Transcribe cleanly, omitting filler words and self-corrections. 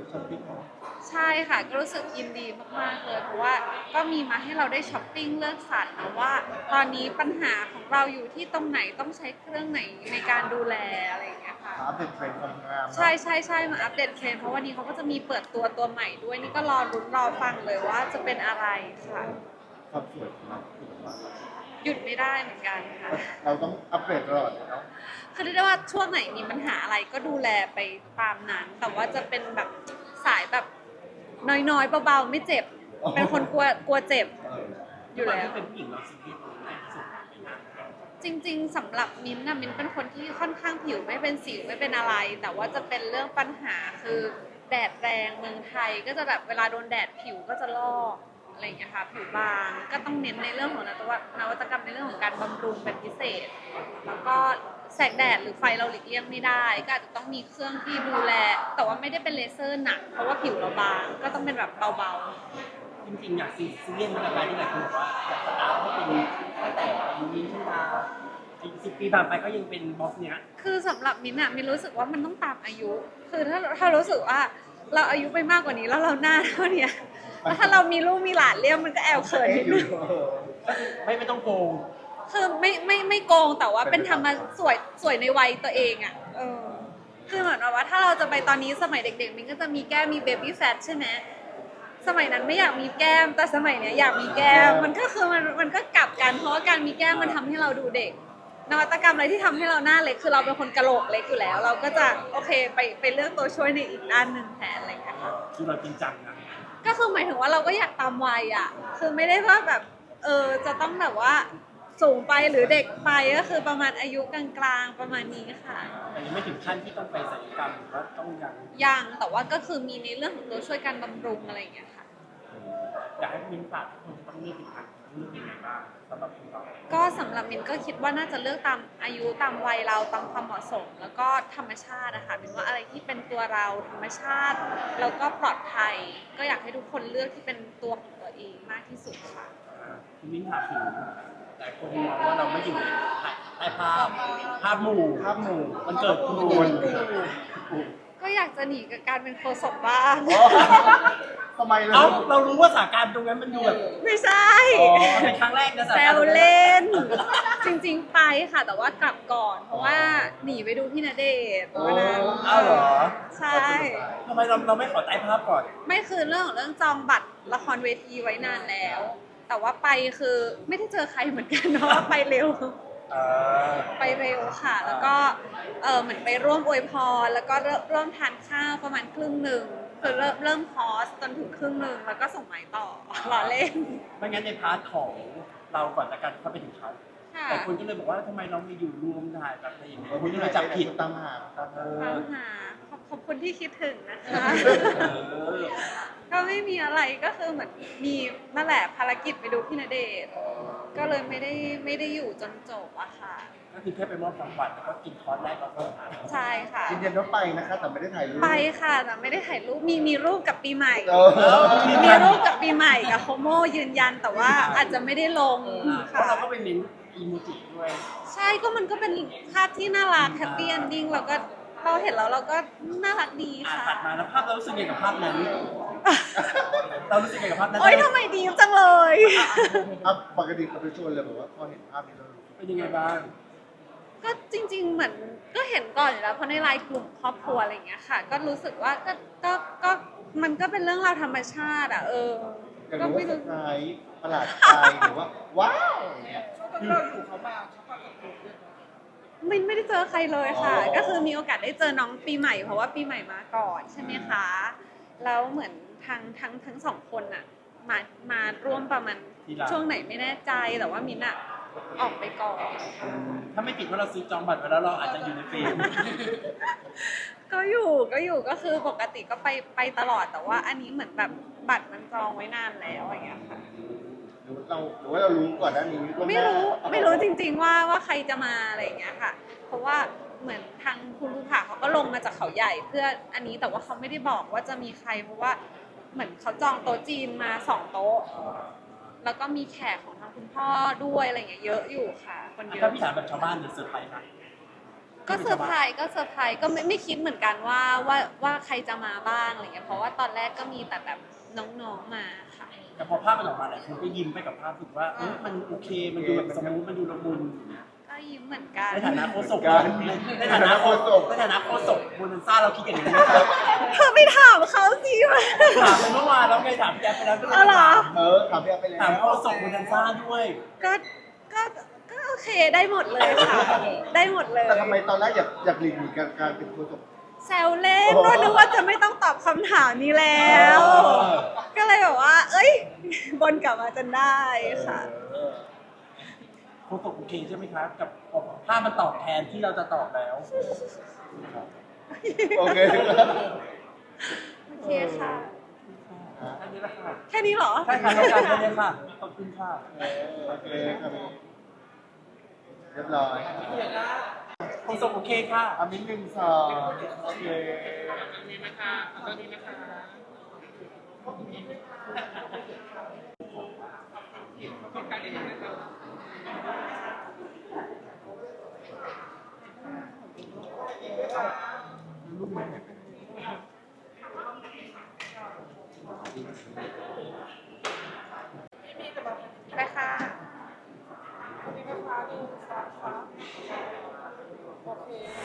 ช้อปปิ้งเนาะใช่ค่ะก็รู้สึกยินดีมากๆเลยเพราะว่าก็มีมาให้เราได้ช้อปปิ้งเลือกสรรนะว่าตอนนี้ปัญหาของเราอยู่ที่ตรงไหนต้องใช้เครื่องไหนในการดูแลอะไรอย่างเงี้ยค่ะอัปเดตเทรนด์ความงามใช่ใช่ใช่มาอัปเดตเทรนด์เพราะวันนี้เขาก็จะมีเปิดตัวใหม่ด้วยนี่ก็รอรุ้นรอฟังเลยว่าจะเป็นอะไรค่ะความสวยของเราหยุดไม่ได้เหมือนกันค่ะเราต้องอัปเดตตลอดเนาะคือเรียกได้ว่าช่วงไหนมีปัญหาอะไรก็ดูแลไปตามนั้นแต่ว่าจะเป็นแบบสายแบบน้อยๆเบาๆไม่เจ็บเป็นคนกลัวเจ็บอยู่แล้วเป็นผู้หญิงเราซีเรียสตรงไหนที่สุดจริงๆสำหรับมิ้นท์นะมิ้นท์เป็นคนที่ค่อนข้างผิวไม่เป็นสิวไม่เป็นอะไรแต่ว่าจะเป็นเรื่องปัญหาคือแดดแรงเมืองไทยก็จะแบบเวลาโดนแดดผิวก็จะลอกอะไรอย่างเงี้ยค่ะผิวบางก็ต้องเน้นในเรื่องของนวัตกรรมในเรื่องของการบำรุงเป็นพิเศษแล้วก็แสงแดดหรือไฟเราหลีกเลี่ยงไม่ได้ก็อาจจะต้องมีเครื่องที่ดูแลแต่ว่าไม่ได้เป็นเลเซอร์หนักเพราะว่าผิวเราบางก็ต้องเป็นแบบเบาๆจริงๆอยากซีเรียสอะไรที่หลายคนบอกว่าอยากสตาร์ทให้เป็นตั้งแต่อายุนี้ขึ้นมา10 ปีผ่านไปก็ยังเป็นบอสเนี้ยคือสำหรับมิ้นท์อะมิ้นรู้สึกว่ามันต้องตามอายุคือถ้ารู้สึกว่าเราอายุไปมากกว่านี้แล้วเราหน้าเท่าเนี้ยแล้วถ้าเรามีลูกมีหลานเลี้ยงมันก็แอบเขินนิดนึงไม่ต้องโกงคือไม่โกงแต่ว่าเป็นธรรมสวยในวัยตัวเองอ่ะคือเหมือนว่าถ้าเราจะไปตอนนี้สมัยเด็กๆมันก็จะมีแก้มมีเบบี้แฟทใช่ไหมสมัยนั้นไม่อยากมีแก้มแต่สมัยเนี้ยอยากมีแก้มมันก็คือมันก็กลับกันเพราะว่าการมีแก้มมันทำให้เราดูเด็กนวัตกรรมอะไรที่ทำให้เราหน้าเล็กคือเราเป็นคนกะโหลกเล็กอยู่แล้ว เราก็จะโอเคไปเลือกตัวช่วยในอีกด้านหนึ่งแทนอะไรอย่างเงี้ยค่ะคือเราจริงจังนะก็คือหมายถึงว่าเราก็อยากตามวัยอ่ะคือไม่ได้ว่าแบบจะต้องแบบว่าสูงไปหรือเด็กไปก็คือประมาณอายุกลางๆประมาณนี้ค่ะแต่ยังไม่ถึงขั้นที่ต้องไปศัลยกรรมหรือว่าต้องยังแต่ว่าก็คือมีในเรื่องของตัวช่วยการบำรุงอะไรอย่างเงี้ยค่ะอยากให้มินฝากคนต้องเลือกผิดทางเลือกยังไงบ้างสำหรับคุณเราก็สำหรับมินก็คิดว่าน่าจะเลือกตามอายุตามวัยเราตามความเหมาะสมแล้วก็ธรรมชาตินะคะมินว่าอะไรที่เป็นตัวเราธรรมชาติแล้วก็ปลอดภัยก็อยากให้ทุกคนเลือกที่เป็นตัวของตัวเองมากที่สุดค่ะคุณมินถามถึงแต่คนมองว่าเราไม่อยู่ในภาพหมู่มันเกิดคุณก็อยากจะหนีกับการเป็นโฆษกบ้างทำไมเลยเรารู้ว่าสถานการณ์ตรงนั้นมันดูแบบไม่ใช่เป็นครั้งแรกนะแซวเล่นจริงๆไปค่ะแต่ว่ากลับก่อนเพราะว่าหนีไปดูพี่ณเดชน์วันนั้นอ้าวเหรอใช่ทำไมเราไม่ขอใต้ภาพก่อนไม่คือเรื่องของเรื่องจองบัตรละครเวทีไว้นานแล้วแต่ว่าไปคือไม่ได้เจอใครเหมือนกันเพราะว่าไปเร็วไปเร็วค่ะแล้วก็เหมือนไปร่วมอวยพรแล้วก็ร่วมทานข้าวประมาณครึ่งหนึ่งคือเริ่มคอร์สจนถึงครึ่งหนึ่งแล้วก็ส่งไม้ต่อรอเล่นไม่งั้นในพาร์ทของเราก่อนละกันเข้าไปถึงเขาแต่คนก็เลยบอกว่าทำไมเราไม่อยู่รวมถ่ายแบบอะไรอย่างเงี้ยคนก็เลยจับผิดตามหาขอบคุณที่คิดถึงนะคะก็ไม่มีอะไรก็คือเหมือนมีนั่นแหละภารกิจไปดูพี่ณเดชน์ก็เลยไม่ได้อยู่จนจบอะค่ะก็คือแค่ไปมอบของขวัญแล้วก็กินคอร์สแรกแล้วก็ใช่ค่ะยืนยันว่าไปนะคะแต่ไม่ได้ถ่ายรูปไปค่ะแต่ไม่ได้ถ่ายรูปมีรูปกับปีใหม่มีรูปกับปีใหม่กับโคโมยืนยันแต่ว่าอาจจะไม่ได้ลงเพราะเราก็ไปเน้นอีโมจิด้วยใช่ก็มันก็เป็นภาพที่น่ารักแฮปปี้เอนดิ้งเราเห็นแล้วเราก็น่ารักดีค่ะตัดมาแล้วภาพเรารู้สึกยังไงกับภาพนั้นเรารู้สึกยังไงกับภาพนั้นโอ๊ยทำไมดีจังเลยปกติเขาไปชวนเลยบอกว่าพอเห็นภาพนี้เราเป็นยังไงบ้างก็จริงๆเหมือนก็เห็นก่อนอยู่แล้วเพราะในไลน์กลุ่มครอบครัวอะไรอย่างเงี้ยค่ะก็รู้สึกว่าก็มันก็เป็นเรื่องราวธรรมชาติอ่ะก็ไม่รู้ว่าประหลาดใจหรือว่าว้าวอย่างเงี้ยเราอยู่เขามาไม่ได้เจอใครเลยค่ะก็คือมีโอกาสได้เจอน้องปีใหม่เพราะว่าปีใหม่มาก่อนใช่ไหมคะแล้วเหมือนทั้งสองคนอ่ะมาร่วมประมาณช่วงไหนไม่แน่ใจแต่ว่ามินอะออกไปก่อนถ้าไม่ติดว่าเราซื้อจองบัตรไว้แล้วเราอาจจะอยู่ในเฟรมก็อยู่ก็คือปกติก็ไปตลอดแต่ว่าอันนี้เหมือนแบบบัตรมันจองไว้นานแล้วอย่างเงี้ยค่ะหรือว่าเรารู้ก่อนหน้านี้ไม่รู้จริงๆว่าใครจะมาอะไรอย่างเงี้ยค่ะเพราะว่าเหมือนทางคุณลูกค้าเขาก็ลงมาจากเขาใหญ่เพื่ออันนี้แต่ว่าเขาไม่ได้บอกว่าจะมีใครเพราะว่าเหมือนเขาจองโต๊ะจีนมา2 โต๊ะแล้วก็มีแขกของทางคุณพ่อด้วยอะไรเงี้ยเยอะอยู่ค่ะคนเยอะถ้าพี่ถามแบบชาวบ้านจะเซอร์ไพรส์ไหมก็เซอร์ไพรส์ก็ไม่คิดเหมือนกันว่าใครจะมาบ้างอะไรเงี้ยเพราะว่าตอนแรกก็มีแต่แบบน้องๆมาค่ะแต่พอภาพมันออกมาหลายคนก็ยิ้มไปกับภาพรู้สึกว่ามันโอเคมันดูแบบสมูทมันดูละมุนก็ยิ้มเหมือนกันในฐานะโฆษกในฐานะโฆษกโบนันซ่าเราคิดอย่างนี้ไหมครับเธอไปถามเขาสิว่าถามไปเมื่อวานแล้วไงถามพี่แอฟไปแล้วด้วยอ๋อเหรอถามพี่แอฟไปแล้วถามโฆษกโบนันซ่าด้วยก็ก็โอเคได้หมดเลยค่ะ ได้หมดเลยแต่ทำไมตอนแรกอยากหลีกหนีการเป็นโฆษกแซวเล่นว่านึกว่าจะไม่ต้องตอบคำถามนี้แล้ว ก็เลยแบบว่า เอ้ยบนกลับมาจนได้ค่ะโฆษกโอเคใช่ไหมครับกับภาพมันตอบแทนที่เราจะตอบแล้วโอเคโอเคค่ะแค่นี้แหละค่ะแค่นี้เหรอใช่ค่ะต้องการแค่นี้ค่ะขอบคุณค่ะโอเคครับเรียบร้อยโฆษกโอเคค่ะอามิน1 2โอเคไปค่ะนี่นะคะ1 2 3โอเค